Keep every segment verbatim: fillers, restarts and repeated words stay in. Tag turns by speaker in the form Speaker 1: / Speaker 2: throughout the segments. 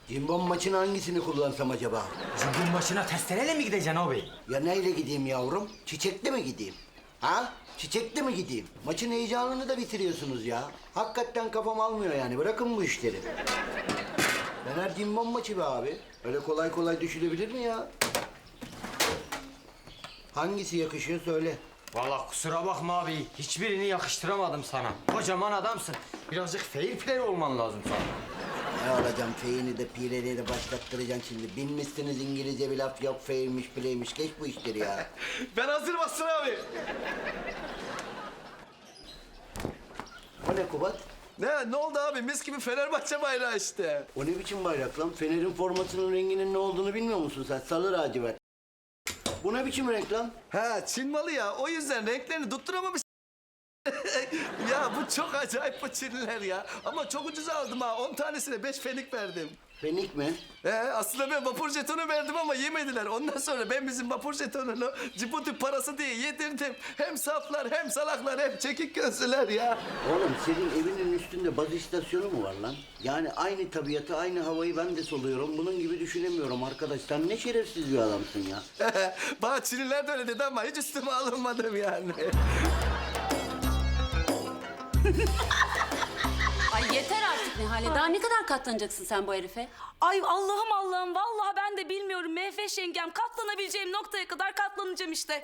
Speaker 1: Cimbom maçın hangisini kullansam acaba?
Speaker 2: Cimbom başına testereyle mi gideceksin abi?
Speaker 1: Ya neyle gideyim yavrum? Çiçekli mi gideyim? Ha? Çiçekli mi gideyim? Maçın heyecanını da bitiriyorsunuz ya. Hakikaten kafam almıyor yani. Bırakın bu işleri. Fener cimbom maçı be abi. Öyle kolay kolay düşülebilir mi ya? Hangisi yakışıyor söyle.
Speaker 2: Vallahi kusura bakma abi. Hiçbirini yakıştıramadım sana. Kocaman adamsın. Birazcık fair play olman lazım sana.
Speaker 1: Ne alacağım feyini de pireleri de başlattıracaksın şimdi. Bilmişsiniz İngilizce bir laf yok fairmiş playmiş. Geç bu işleri ya.
Speaker 3: Ben hazırım Aslan abi.
Speaker 1: O ne Kubat?
Speaker 3: Ne, ne oldu abi? Mis gibi Fenerbahçe bayrağı işte.
Speaker 1: O ne biçim bayrak lan? Fener'in formasının renginin ne olduğunu bilmiyor musun sen? Sarı lacivert. Bu ne biçim renk lan?
Speaker 3: Ha, Çin malı ya. O yüzden renklerini tutturamamış. Ya bu çok acayip bu Çinliler ya. Ama çok ucuza aldım ha. On tanesine beş fenik verdim.
Speaker 1: Fenik mi?
Speaker 3: He, aslında ben vapur jetonu verdim ama yemediler. Ondan sonra ben bizim vapur jetonunu Cibuti parası diye yedirdim. Hem saflar hem salaklar hem çekik gözlüler ya.
Speaker 1: Oğlum senin evinin üstünde baz istasyonu mu var lan? Yani aynı tabiatı, aynı havayı ben de soluyorum. Bunun gibi düşünemiyorum arkadaş. Sen ne şerefsiz bir adamsın ya.
Speaker 3: Bana Çinliler de öyle dedi ama hiç üstüme alınmadım yani.
Speaker 4: Ay yeter artık Nihale. Daha ne kadar katlanacaksın sen bu herife?
Speaker 5: Ay Allah'ım Allah'ım vallahi ben de bilmiyorum Mehveş yengem katlanabileceğim noktaya kadar katlanacağım işte.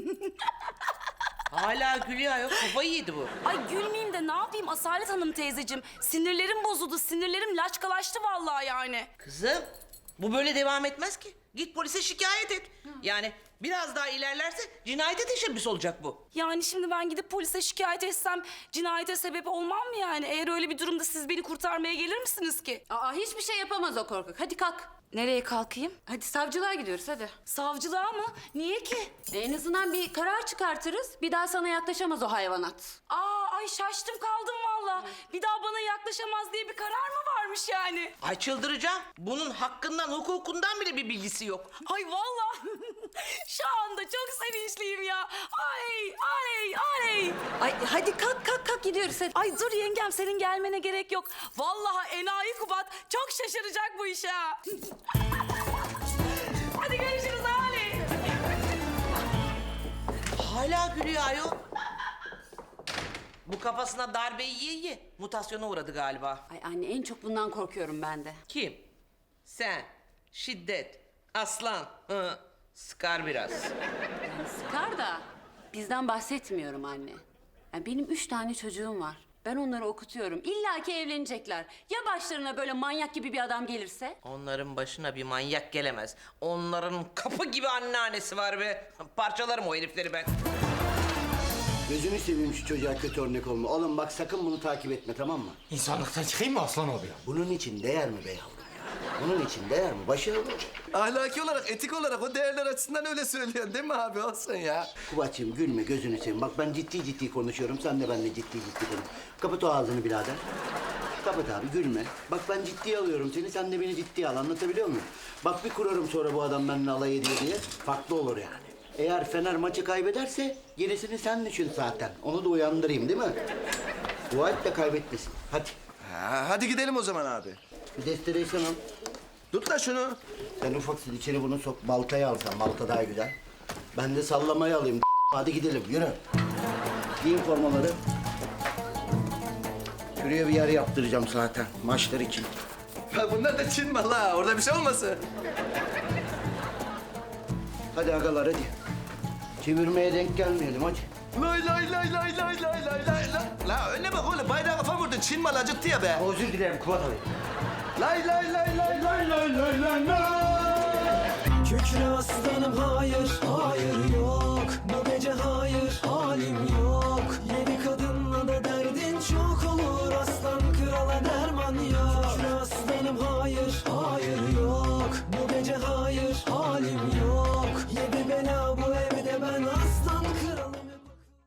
Speaker 6: Hala gülüyor yok. Kafayı yedi bu.
Speaker 5: Ay gülmeyeyim de ne yapayım Asalet Hanım teyzeciğim. Sinirlerim bozuldu sinirlerim laçkalaştı vallahi yani.
Speaker 6: Kızım bu böyle devam etmez ki. Git polise şikayet et. Yani biraz daha ilerlerse cinayete teşebbüs olacak bu.
Speaker 5: Yani şimdi ben gidip polise şikayet etsem cinayete sebep olmam mı yani? Eğer öyle bir durumda siz beni kurtarmaya gelir misiniz ki?
Speaker 4: Aa hiçbir şey yapamaz o korkak. Hadi kalk.
Speaker 5: Nereye kalkayım?
Speaker 4: Hadi savcılığa gidiyoruz hadi.
Speaker 5: Savcılığa mı? Niye ki?
Speaker 4: E, en azından bir karar çıkartırız. Bir daha sana yaklaşamaz o hayvanat.
Speaker 5: Aa ay şaştım kaldım vallahi. Bir daha bana yaklaşamaz diye bir karar mı varmış yani?
Speaker 6: Ay çıldıracağım. Bunun hakkından, hukukundan bile bir bilgisi yok.
Speaker 5: Ay vallahi şu anda çok sevinçliyim ya. Ay ay ay.
Speaker 4: Ay hadi kalk kalk kalk gidiyoruz hadi.
Speaker 5: Ay dur yengem senin gelmene gerek yok. Vallahi enayi Kubat çok şaşıracak bu işe. ha. Hadi görüşürüz Ali.
Speaker 6: Hala gülüyor ayol. Bu kafasına darbeyi yiye yiye mutasyona uğradı galiba.
Speaker 4: Ay anne en çok bundan korkuyorum ben de.
Speaker 6: Kim? Sen. Şiddet. Aslan. Hı. Sıkar biraz.
Speaker 4: Yani sıkar da bizden bahsetmiyorum anne. Yani benim üç tane çocuğum var. Ben onları okutuyorum. İlla ki evlenecekler. Ya başlarına böyle manyak gibi bir adam gelirse?
Speaker 6: Onların başına bir manyak gelemez. Onların kapı gibi anneannesi var be. Parçalarım o herifleri ben.
Speaker 1: Gözünü seveyim şu çocuğa kötü örnek olma. Oğlum bak sakın bunu takip etme tamam mı?
Speaker 2: İnsanlıktan çıkayım mı Aslan abi ya?
Speaker 1: Bunun için değer mi be yavrum ya? Bunun için değer mi? Başarılı.
Speaker 3: Ahlaki olarak, etik olarak o değerler açısından öyle söylüyorsun değil mi abi? Olsun ya.
Speaker 1: Kubat'cığım gülme gözünü seveyim. Bak ben ciddi ciddi konuşuyorum. Sen de benimle ciddi ciddi konuş. Kapat o ağzını birader. Kapat abi gülme. Bak ben ciddiye alıyorum seni. Sen de beni ciddiye al. Anlatabiliyor muyum? Bak bir kurarım sonra bu adam benimle alay ediyor diye. Farklı olur yani. Eğer Fener maçı kaybederse gerisini sen düşün zaten. Onu da uyandırayım değil mi? Dua et de kaybetmesin. Hadi.
Speaker 3: Ha, hadi gidelim o zaman abi.
Speaker 1: Bir destekleysene.
Speaker 3: Tut da şunu.
Speaker 1: Sen ufaksın içeri bunu sok. Baltayı al sen. Balta daha güzel. Ben de sallamayı alayım. Hadi gidelim yürü. Giyin formaları. Şuraya bir yer yaptıracağım zaten maçlar için.
Speaker 3: Ha, bunlar da Çin malı ha. Orada bir şey olmasın.
Speaker 1: Hadi agalar hadi. Çevirmeye denk gelmeyelim hadi.
Speaker 3: Lay lay lay lay lay lay lay lay lay. La önüne bak oğlum bayrağı kafa vurdun. Çin malı acıttı ya be.
Speaker 1: Özür dilerim Kubat abi.
Speaker 3: Lay lay lay lay lay lay lay lay lay.
Speaker 7: Kükre aslanım hayır, hayır yok. Bu gece hayır, halim yok.